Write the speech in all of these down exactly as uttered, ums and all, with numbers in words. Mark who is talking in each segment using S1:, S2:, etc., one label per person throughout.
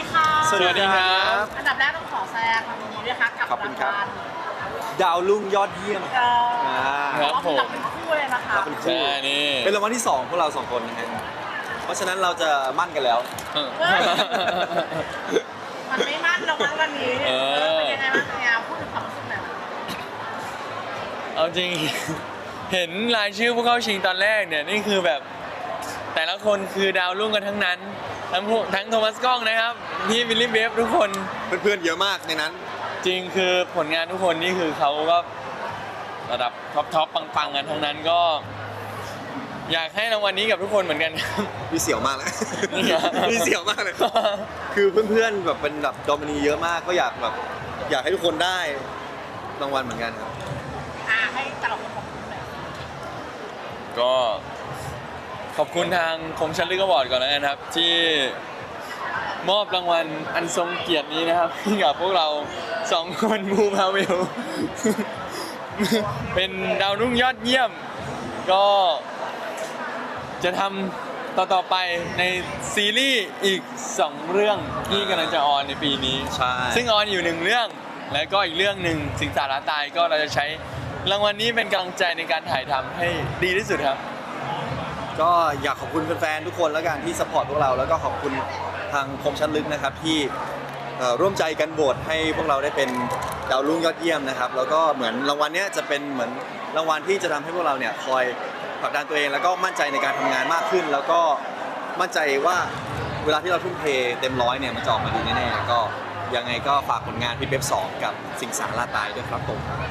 S1: ดีค่ะ
S2: สวัสดีครับ
S1: อันดับแรกต้องขอแสดงความยินดีด้วยค่ะกับ
S2: ขอบคุณครับ
S1: างวัล
S2: ดาวรุ่งยอดเยี่ยม
S1: เอ่อ
S2: อ่า
S1: เราเป็นรับเป็นคู่เลยนะคะ
S2: เราเป็นคู่
S3: ใช่นี่
S2: เป็นรางวัลที่สองพวกเราสองคนนะฮะเพราะฉะนั้นเราจะมั่นกันแล้ว
S3: เออ
S1: มันไม่มั่นหรอกมั้งวันนี้
S3: เออ
S1: เออเป็นยังไงบ้างเนี่ยพูดถึงความรู้สึกหน่อย
S3: เอาจริง เห็นรายชื่อผู้เข้าชิงตอนแรกเนี่ยนี่คือแบบ แต่ละคนคือดาวรุ่งกันทั้งนั้น ทั้งผู้ทั้งโทมัสกล้องนะครับพี่วิลลี่เบฟทุกคน
S2: เพื่อนๆเยอะมากในนั้น
S3: จริงคือผลงานทุกคนนี่คือเขาก็ระดับท็อปท็อปปังๆกันทั้งนั้นก็ อยากให้รางวัลนี้กับทุกคนเหมือนกันครับ
S2: มีเสียวมากเลย
S3: นี่เหรอ
S2: มีเสียวมากเลย คือเพื่อนๆแบบเป็นแบบดอมินีเยอะมากก็อยากแบบอยากให้ทุกคนได้รางวัลเหมือนกันครับ
S1: อ่าให้แต่ละคนขอบคุณหน่อย
S3: ก็ขอบคุณทางคมชันลึกอวอร์ดก่อนแล้วกันครับ ที่มอบรางวัลอันทรงเกียรตินี้นะครับให้กับพวกเราสองคนมูพาเวล เป็นดาวรุ่งยอดเยี่ยม ก็จะทำต่อๆไปในซีรีส์อีกสองเรื่องที่กำลังจะออนในปีนี้
S2: ใช่
S3: ซึ่งออนอยู่หนึ่งเรื่อง แล้วก็อีกเรื่องหนึ่งสิงสาราตายก็เราจะใช้รางวัลนี้เป็นกำลังใจในการถ่ายทำให้ดีที่สุดครับ
S2: ก็อยากขอบคุณแฟนๆทุกคนแล้วกันที่สปอร์ตพวกเราแล้วก็ขอบคุณทางคมชั้นลึกนะครับที่เอ่อร่วมใจกันโหวตให้พวกเราได้เป็นดาวรุ่งยอดเยี่ยมนะครับแล้วก็เหมือนรางวัลเนี้ยจะเป็นเหมือนรางวัลที่จะทำให้พวกเราเนี่ยคอยผลักดันตัวเองแล้วก็มั่นใจในการทำงานมากขึ้น แล้วก็มั่นใจว่าเวลาที่เราทุ่มเทเต็มร้อยเนี่ยมันจะออกมาดีแน่ๆก็ยังไงก็ฝากผลงานพี่เบฟสองกับสิงสาราตายด้วยครับผม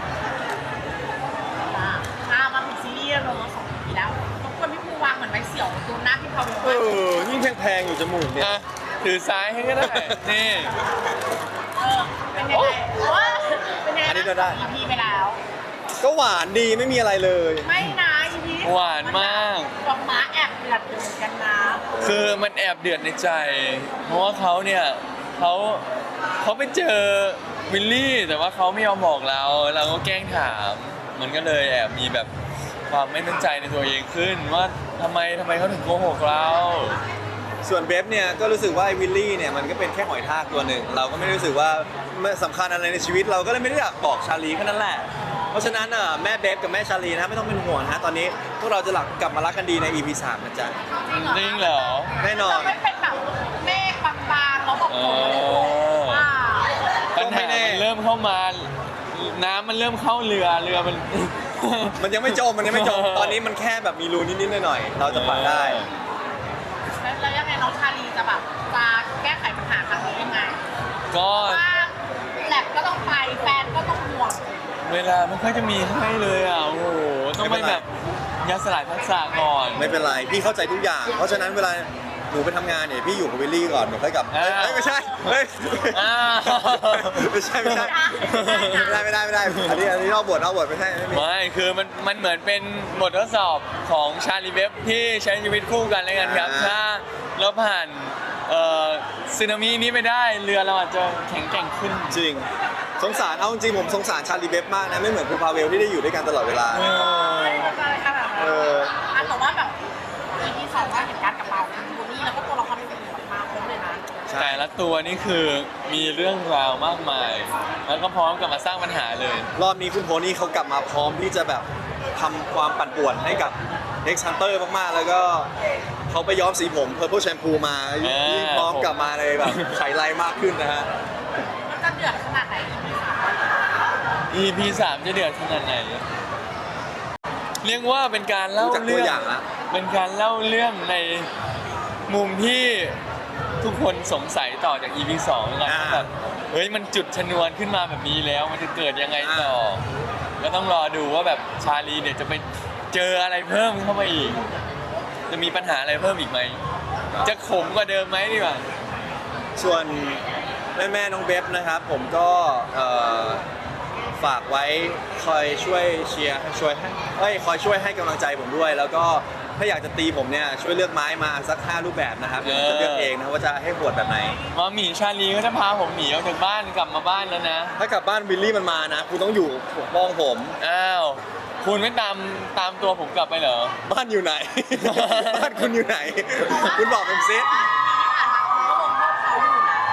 S1: อ่าอ่ามาถึงซีรีส์เราสองปีแล้วทุกคนพี่ภูวางเหมือนไม้เสี่ยวตัวหน้าพี่พาวเวล
S2: เออยิ่งแพงๆอยู่จมูกเนี่ย
S3: อ่ะถือซ้ายให้ก็ได้ นี่
S1: เออเป็นยังไงว่าเป็นยังไง
S2: อันนี้ก็ได้
S1: อีพีไปแล้ว
S2: ก็หวานดีไม่มีอะไรเลย
S1: ไม่นะอีพี
S3: หวานมาก
S1: ดอกม้าแอบเดือดอยู่เหมือนกันนะ
S3: คือมันแอบเดือดในใจ เพราะว่าเขาเนี่ยเขาเขาไปเจอวิลลี่ แต่ว่าเขาไม่ยอมบอกเรา เราก็แกล้งถาม มันก็เลยแอบมีแบบความไม่มั่นใจในตัวเองขึ้น ว่าทำไมทำไมเขาถึงโกหกเรา
S2: ส่วนเบฟเนี่ยก็รู้สึกว่าไอ้วิลลี่เนี่ยมันก็เป็นแค่หอยทากตัวหนึ่งเราก็ไม่ได้รู้สึกว่ามันสำคัญอะไรในชีวิตเราก็เลยไม่ได้อยากบอกชาลีแค่นั้นแหละเพราะฉะนั้นน่ะแม่เบฟกับแม่ชาลีนะไม่ต้องเป็นห่วงนะตอนนี้พวกเราจะหลักกลับมารักกันดีใน อี พี สามนะจ๊ะ
S1: จริงเหรอ
S3: จริงเหรอ
S2: แน่นอน
S1: เราไม่เป็นแบบเมฆบางๆแล้วแบบฝนไม่ได้ตกว่า
S3: ปัญหามันเริ่มเข้ามา น้ำมันเริ่มเข้าเรือ เรือมัน
S2: มันยังไม่จมมันยังไม่จมตอนนี้มันแค่แบบมีรูนิดๆหน่อยๆเราจะผ่านได้
S1: แล้วแล้วยังไงน้องชาลีจะแบบจะแก้ไขปัญหาครั้งนี้ยังไง
S3: ก็
S1: ว่าแลบก็ต้องไปแฟนก็ต้องห่วง
S3: เวลาไม่ค่อยจะมีให้เลยอ่ะ โอ้โห ต้องไปแบบยัดสลายทักษะก่อน
S2: ไม่เป็นไรพี่เข้าใจทุกอย่าง เพราะฉะนั้นเวลาหนูไปทำงานเนี่ยพี่อยู่กับวิลลี่ก่อนหนูค่อยกลับเอ้ยเอ้ยไม่ใช่เฮ้ย
S3: อ้าว
S2: ไม่ใช่ไม่ใช่ไม่ได้ไม่ได้ไม่ได้อันนี้อันนี้นอกบทนอกบทไม่ใช่ไม่มี
S3: ไม่ คือมันมันเหมือนเป็นบททดสอบของชาลีเวฟที่ใช้ชีวิตคู่กันแล้วกันครับ
S2: อ่า
S3: ถ้าเราผ่านเอ่อสึนามินี้ไปได้ เรือเราอาจจะแข็งแกร่งขึ้น
S2: จริงสงสารเอาจริงผมสงสารชาลีเบฟมากนะไม่เหมือนคุณพาเวลที่ได้อยู่ด้วยกันตลอดเวลา
S3: เออ
S1: ไม่ได้ขนาดนั้น
S2: เออ
S1: อ่ะแต่ว่าแบบ อี พี สองว่าเห็นการกลับมาของบูนี่แล้วก็ตัวละครอื่นๆมาครบเลยนะ
S2: ใช่
S3: แต่ละตัวนี่คือมีเรื่องราวมากมาย แล้วก็พร้อมกับมาสร้างปัญหาเลย
S2: รอบนี้คุณโพนี่เขากลับมาพร้อมที่จะแบบทำความปั่นป่วนให้กับ X Hunter มากๆ แล้วก็เขาไปย้อมสีผม Purple Shampoo มา
S3: อ่า
S2: ยิ่งพร้อมกลับมาเลยแบบไขไลมากขึ้นนะฮะ
S1: มันจะเดือดขนาดไหน อี พี สาม
S3: อี พี สามจะเดือดขนาดไหน เรียกว่าเป็นการเล่า
S2: ดูจากตัว
S3: เรื่อง
S2: อย่างละ
S3: เป็นการเล่าเรื่องในมุมที่ทุกคนสงสัยต่อจาก อี พี สองแล้วกัน
S2: อ่า
S3: ว่าแบบเฮ้ยมันจุดชนวนขึ้นมาแบบนี้แล้วมันจะเกิดยังไงต่อ ก็ต้องรอดูว่าแบบชาลีเนี่ยจะไปเจออะไรเพิ่มเข้ามาอีก จะมีปัญหาอะไรเพิ่มอีกไหม จะขมกว่าเดิมไหมดีกว่า
S2: ส่วนแม่แม่ๆน้องเบฟนะครับ ผมก็เอ่อฝากไว้คอยช่วยเชียร์ช่วยให้เอ้ยคอยช่วยให้กำลังใจผมด้วย แล้วก็ถ้าอยากจะตีผมเนี่ยช่วยเลือกไม้มาสักห้ารูปแบบนะครับเดี๋ยวผมจะเลือกเองนะว่าจะให้บวชแบบไหน
S3: มาหมีชาลีก็จะพาผมหนีออกจากบ้านกลับมาบ้านแล้วนะ
S2: ถ้ากลับบ้านวิลลี่มันมานะคุณต้องอยู่ปกป้องผม
S3: อ้าว คุณไม่ตามตามตัวผมกลับไปเหรอ
S2: บ้านอยู่ไหน บ้านคุณอยู่ไหน คุณบอกผมซิ
S1: ที่ผ่านมาคุณก็ลงโทษเขาอยู่นะ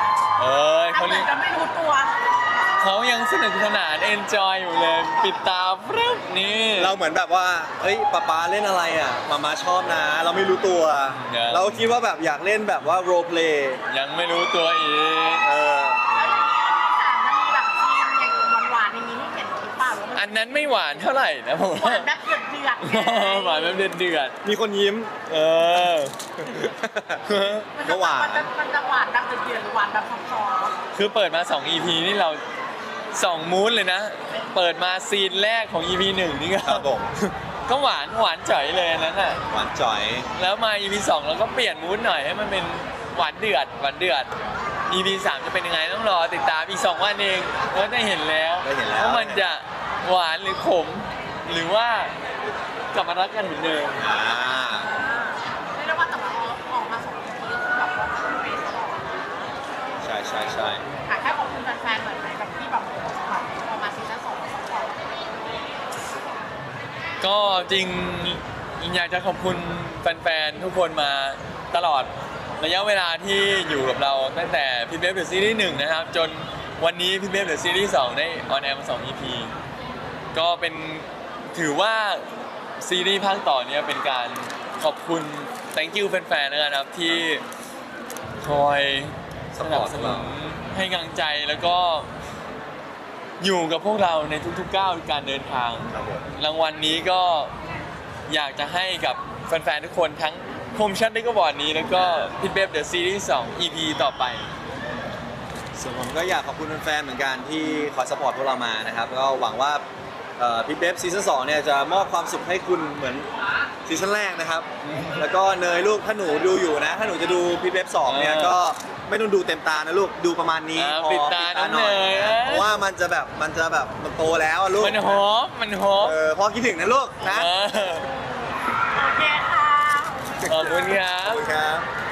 S3: อ้ย
S1: เขา
S3: เขา
S1: เหมื
S3: เรี
S1: อย น
S3: ก
S1: จะไม่รู้ตัว
S3: เขายังสนุกสนานเอนจอยอยู่เลย ปิดตาฟรึ๊บนี่
S2: เราเหมือนแบบว่าเอ้ยป๊าป๊าเล่นอะไรอ่ะมามาชอบนะ เราไม่รู้ตัว
S3: เนี่ย
S2: เราคิดว่าแบบอยากเล่นแบบว่า role play
S3: ยังไม่รู้ตัวอีก
S2: เออ
S1: แล้วอย่างนี้ที่สามจะมีแบบซีนอย่างหวานๆอย่างนี้ให้เห็นหรือเปล่าหรือว่า
S3: อันนั้นไม่หวานเท่าไหร่นะผม
S1: หวา
S3: ว่าน
S1: แบบเดือดเดือดๆ
S3: หวานแบบเดือดเดือด
S2: มีคนยิ้ม
S3: ๆเออ
S1: มัน
S2: ก็
S1: จะ
S2: หวาน
S1: มันจะมันจะหวานแบบเดือดเดือดหรือหวานแบบซอฟต์
S3: คือเปิดมาสอง อี พี นี่เราสองมูดเลยนะ เปิดมาซีนแรกของ อี พี หนึ่งนี่ก็
S2: ครับผม
S3: ก็หวานหวานจ่อยเลยอันนั้นน่ะ
S2: หวานจ่อย
S3: แล้วมา อี พี สองเราก็เปลี่ยนมูดหน่อยให้มันเป็นหวานเดือดหวานเดือด อี พี สามจะเป็นยังไงต้องรอติดตามอีกสองวันเองก็ได้เห็นแล้ว
S2: ได้เห็นแล้ว
S3: ว่ามันจะหวานหรือขม หรือว่ากลับมารักกันเหมือนเดิม
S2: อ่า
S1: เรียกได้ว่าแต่ว่าออกมาสองทีก็คือแบบว่าเป๊ะตลอด
S2: ใช่ใช่ใช่
S1: ค่ะแค่ขอบคุณแฟนๆหน่อยไหมแบบที่แบบแบบออกมาซีซั่นสองแล้วซัพพอร์ต
S3: ก็จริงอยากจะขอบคุณแฟนๆทุกคนมาตลอดระยะเวลาที่อยู่กับเราตั้งแต่พี่เบฟเดอะซีรีส์หนึ่งนะครับ จนวันนี้พี่เบฟเดอะซีรีส์สองได้ออนแอร์มาสอง อี พี ก็เป็นถือว่าซีรีส์ภาคต่อเนี้ยเป็นการขอบคุณ thank you แฟนๆนะครับที่คอยสนับสนุนให้กำลังใจแล้วก็อยู่กับพวกเราในทุกๆก้าวการเดินทาง
S2: ครับผม
S3: รางวัลนี้ก็อยากจะให้กับแฟนๆทุกคนทั้งคมชัดได้ก็บอร์ดนี้แล้วก็พี่เบฟเดอะซีรีส์สอง อี พี ต่อไป
S2: ส่วนผมก็อยากขอบคุณแฟนๆเหมือนกันที่คอยสปอร์ตพวกเรามานะครับก็หวังว่าเอ่อพี่เบฟซีซั่นสองเนี่ยจะมอบความสุขให้คุณเหมือนซีซั่นแรกนะครับ แล้วก็เนยลูกถ้าหนูดูอยู่นะ ถ้าหนูจะดูพี่เบฟสองเนี่ย
S3: เออ
S2: ก็ไม่ต้องดูเต็มตานะลูกดูประมาณนี้
S3: อ่า
S2: พอ
S3: ปิดตาน้องเนย
S2: นะ
S3: เอ้ย
S2: เพราะว่ามันจะแบบมันจะแบบมันโตแล้วอะลูก
S3: มันหอมมันหอม
S2: เออพอคิดถึงนะลูกนะ
S3: เออ
S1: โอเคค่ะ
S3: ขอบคุณครั
S2: ขอบบ คุณครับ